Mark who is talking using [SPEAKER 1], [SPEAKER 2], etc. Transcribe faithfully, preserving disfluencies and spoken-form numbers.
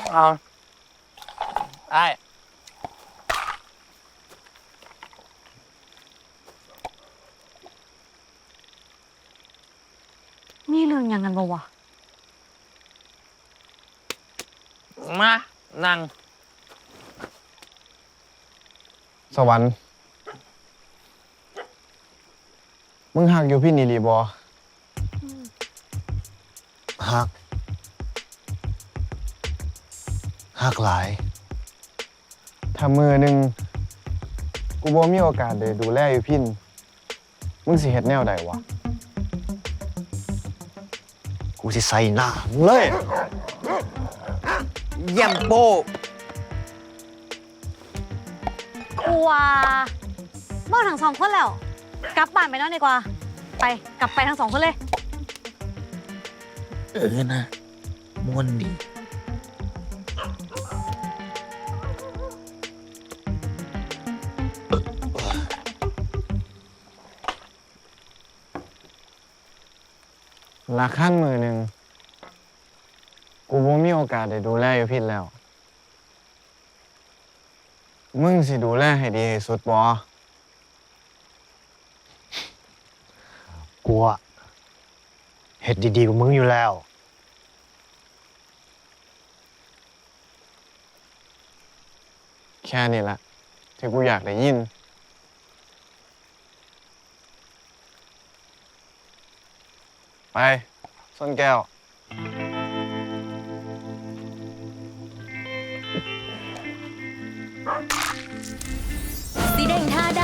[SPEAKER 1] เอาไอ้
[SPEAKER 2] นี่เรื่องยังกันบ่วะ
[SPEAKER 1] มานั่ง
[SPEAKER 3] สวรรค์มึงหักอยู่พี่นีรีบอหักหักหลาย ถ้ามือหนึ่งกูบ่มีโอกาสได้ดูแลอยู่พินมึงสิเฮ็ดแนวใดวะ
[SPEAKER 4] กูสิใส่หน้ามึงเลย
[SPEAKER 1] เยี่ยมโป
[SPEAKER 2] กูว่าเมาทั้งสองคนแล้ว กลับบ้านไปนอนดีกว่า ไปกลับไปทั้งสองคนเลย
[SPEAKER 1] เออนะม่วนดี
[SPEAKER 3] ละขั้นมือหนึ่งกูบ่มีโอกาสได้ดูแลอยู่พินแล้ว มึงสิดูแลให้ดีที่สุดบ่
[SPEAKER 4] กูอะเฮ็ดดีๆกับมึงอยู่แล้ว
[SPEAKER 3] แค่นี้ละที่กูอยากได้ยิน ไปส้นแก้ว
[SPEAKER 5] สีแดงท่า